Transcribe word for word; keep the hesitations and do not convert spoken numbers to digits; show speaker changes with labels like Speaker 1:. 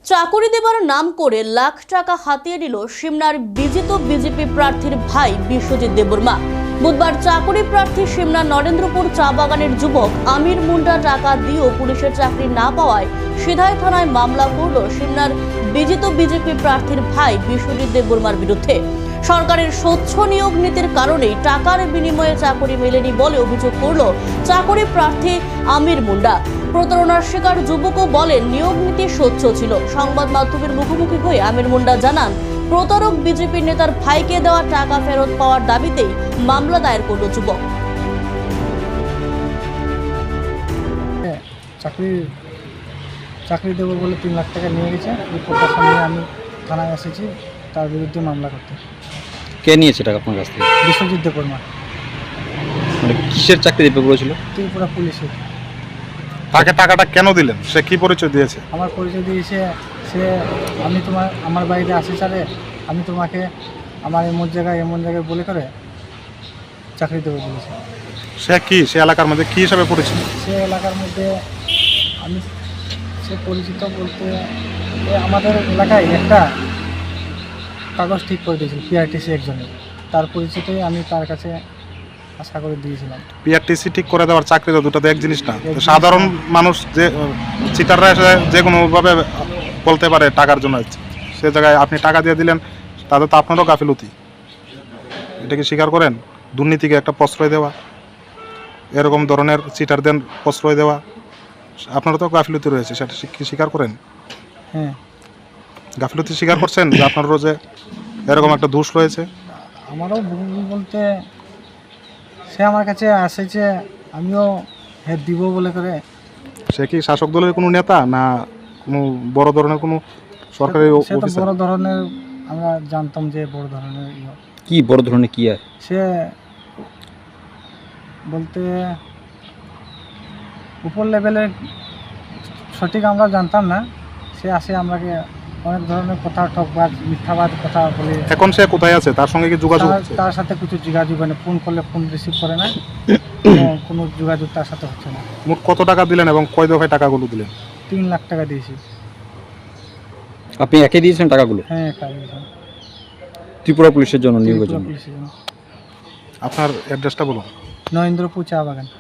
Speaker 1: চাকরি দেবার নাম করে লাখ টাকা হাতিয়ে নিল সিমনার বিজিত বিজেপি প্রার্থীর ভাই বিশ্বজিৎ দেববর্মা। বুধবার চাকরি প্রার্থী সিমনার নরেন্দ্রপুর চা বাগানের যুবক আমির মুন্ডা টাকা দিয়েও পুলিশের চাকরি না পাওয়ায় সিধাই থানায় মামলা করল সিমনার বিজিত বিজেপি প্রার্থীর ভাই বিশ্বজিৎ দেববর্মার বিরুদ্ধে। সরকারের স্বচ্ছ নিয়োগ নীতির কারণেই টাকার বিনিময়ে চাকরি মেলেনি বলে অভিযোগ করল চাকরি প্রার্থী আমির মুন্ডা। প্রতারণার শিকার যুবকও বলেন নিয়োগ নীতি স্বচ্ছ ছিল। সংবাদ মাধ্যমের মুখোমুখি হয়ে আমির মুন্ডা জানান প্রতারক বিজেপি নেতার ভাইকে দেওয়া টাকা ফেরত পাওয়ার দাবিতেই মামলা দায়ের করল যুবক।
Speaker 2: চাকরি চাকরি দেবো বলে তিন লাখ টাকা নিয়ে গেছে, এই প্রকাশন নিয়ে আমি থানায় এসেছি তার বিরুদ্ধে মামলা করতে।
Speaker 3: কে নিয়েছে টাকা আপনার কাছ থেকে?
Speaker 2: বিশ্বজিৎ দেববর্মা।
Speaker 3: মানে কিসের চাকরি দিতে বলেছিল?
Speaker 2: ত্রিপুরা পুলিশে।
Speaker 4: তাকে টাকাটা কেন দিলেন? সে কি পরিচয় দিয়েছে?
Speaker 2: আমার পরিচয় দিয়েছে সে, আমি তোমার আমার বাড়িতে আসি চালে আমি তোমাকে আমার এমন জায়গায় এমন জায়গায় বলে করে চাকরি দেবো বলেছে।
Speaker 4: সে কি সে এলাকার মধ্যে কি হিসাবে পরিচিত?
Speaker 2: সে এলাকার মধ্যে আমি সে পরিচিত বলতে এ আমাদের এলাকায় একটা কাগজ ঠিক করে দিয়েছিল পিআরটিসি একজনের, তার পরিচিতই আমি তার কাছে আশা করে দিয়েছিলাম।
Speaker 4: পিআরটিসি ঠিক করে দেওয়ার চাকরি তো দুটো তো এক জিনিস না। তো সাধারণ মানুষ যে চিটাররা এসে যে কোনোভাবে বলতে পারে টাকার জন্য, সে জায়গায় আপনি টাকা দিয়ে দিলেন, তাতে তো আপনারও গাফিলতি। এটা কি স্বীকার করেন? দুর্নীতিকে একটা প্রশ্রয় দেওয়া, এরকম ধরনের চিটারদের প্রশ্রয় দেওয়া, আপনারও তো গাফিলতি রয়েছে, সেটা কি স্বীকার করেন?
Speaker 2: হ্যাঁ,
Speaker 4: গাফিলতি স্বীকার করছেন যে আপনারও যে এরকম একটা দোষ রয়েছে?
Speaker 2: আমারও ভুল বলতে সে আমার কাছে আসেছে, আমিও হ্যাঁ দিব বলে করে।
Speaker 4: সে কি শাসক দলের কোনো নেতা না কোনো বড় ধরনের কোনো সরকারি
Speaker 2: সে তো
Speaker 4: অফিসার?
Speaker 2: বড় ধরনের, আমরা জানতাম যে বড় ধরনের ইয়ে।
Speaker 3: কি বড় ধরনের কি? আর
Speaker 2: সে বলতে উপর লেভেলের সঠিক আমরা জানতাম না। সে আসে আমাকে অনেক ধরনের কথা, ঠকবাজ মিথ্যাবাদ কথা বলে।
Speaker 4: এখন সে কোথায় আছে? তার সঙ্গে কি যোগাযোগ
Speaker 2: তার-
Speaker 4: হচ্ছে?
Speaker 2: তার সাথে কিছু যোগাযোগ হয় না, ফোন করলে ফোন রিসিভ করে না, কোনো যোগাযোগ তার সাথে হচ্ছে না।
Speaker 4: মোট কত টাকা দিলেন এবং কয় দফায় টাকাগুলো দিলেন?
Speaker 2: তিন লাখ টাকা দিয়েছি।
Speaker 3: আপনি একে দিয়েছেন টাকাগুলো?
Speaker 2: হ্যাঁ, একা দিয়েছি।
Speaker 3: ত্রিপুরা পুলিশের জন্য নিয়োগের
Speaker 2: ত্রিপুরা
Speaker 3: জন্য।
Speaker 2: পুলিশের জন্য।
Speaker 4: আপনার অ্যাড্রেসটা বলুন।
Speaker 2: নরেন্দ্রপুর চা বাগান।